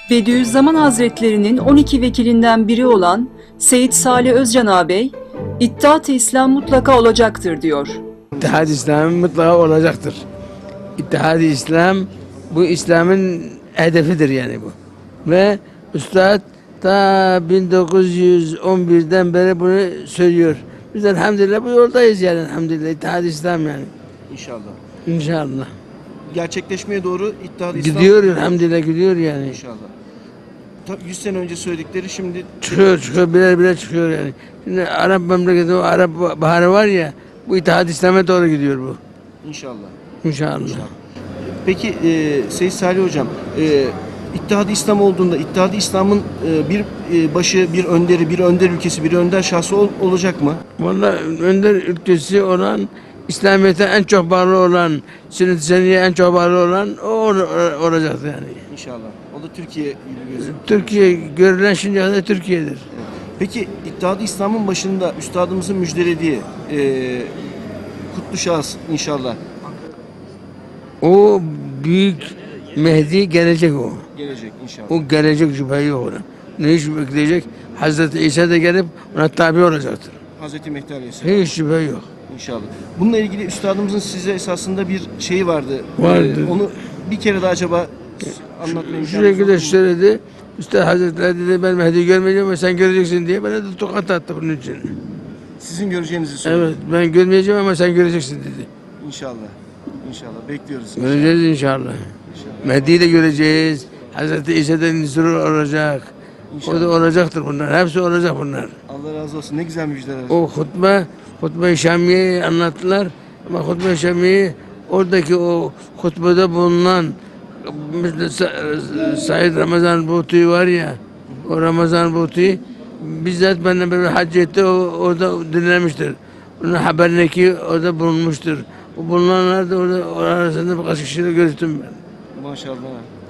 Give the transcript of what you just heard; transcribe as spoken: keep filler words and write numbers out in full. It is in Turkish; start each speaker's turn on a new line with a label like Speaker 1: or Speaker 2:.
Speaker 1: Bediüzzaman Hazretlerinin on iki vekilinden biri olan Seyyid Salih Özcan ağabey, İttihat-ı İslam mutlaka olacaktır diyor.
Speaker 2: İttihad-ı İslam mutlaka olacaktır. İttihad-ı İslam, bu İslam'ın hedefidir yani bu. Ve Üstad ta bin dokuz yüz on birden beri bunu söylüyor. Biz elhamdülillah bu yoldayız yani elhamdülillah. İttihad-ı İslam yani.
Speaker 3: İnşallah.
Speaker 2: İnşallah.
Speaker 3: Gerçekleşmeye doğru İttihat-ı İslam.
Speaker 2: Gidiyor elhamdülillah gidiyor yani.
Speaker 3: İnşallah. Ta yüz sene önce söyledikleri şimdi
Speaker 2: Çıkıyor çıkıyor birer birer çıkıyor yani. Şimdi Arap memleketi o Arap baharı var ya, bu İttihad-ı İslam'a doğru gidiyor bu.
Speaker 3: inşallah.
Speaker 2: İnşallah.
Speaker 3: Peki e, Seyyid Salih Hocam, e, İttihat-ı İslam olduğunda İttihat-ı İslam'ın e, bir e, başı, bir önderi, bir önder ülkesi, bir önder şahsı ol- olacak mı?
Speaker 2: Vallahi önder ülkesi olan, İslamiyet'e en çok bağlı olan, Sünnet-i Seniyye'ye en çok bağlı olan o ol- olacak yani.
Speaker 3: İnşallah. O da Türkiye gibi gözüküyor.
Speaker 2: Türkiye görülen şimdiye kadar Türkiye'dir.
Speaker 3: Peki İttihat-ı İslam'ın başında üstadımızın müjdelediği e, kutlu şahıs inşallah
Speaker 2: O büyük Mehdi gelecek o.
Speaker 3: gelecek inşallah.
Speaker 2: O gelecek şüphe yok ona. Ne iş bekleyecek? Hazreti İsa da gelip ona tabi olacaktır.
Speaker 3: Hazreti Mehdi Aleyhisselam
Speaker 2: Hiç şüphe yok.
Speaker 3: inşallah. Bununla ilgili üstadımızın size esasında bir şeyi vardı.
Speaker 2: Vardı.
Speaker 3: E, onu bir kere de acaba anlatmayı
Speaker 2: Şu şekilde söyledi. Üstad Hazretleri dedi ben Mehdi'yi görmeyeceğim ama sen göreceksin diye bana da tokat attı bunun için.
Speaker 3: Sizin göreceğinizi söyledi.
Speaker 2: Evet ben görmeyeceğim ama sen göreceksin dedi.
Speaker 3: İnşallah. İnşallah. Bekliyoruz.
Speaker 2: Göreceğiz inşallah.
Speaker 3: İnşallah.
Speaker 2: Mehdi'yi de göreceğiz. Hazreti İsa'dan nüzul olacak. O da olacaktır bunlar. Hepsi olacak bunlar.
Speaker 3: Allah razı olsun. Ne güzel müjdeler.
Speaker 2: O hutbe, hutbe-i Şamiye'yi anlattılar. Ama hutbe-i Şamiye oradaki o hutbede bulunan mesela Sa- Said Ramazan Buti var ya, o Ramazan Buti bizzat benimle böyle hac etti, o orada dinlemiştir. Onun haberine ki orada bulunmuştur. O bulunanlar da orada arasında birkaç kişiyle görüştüm ben.
Speaker 3: Maşallah.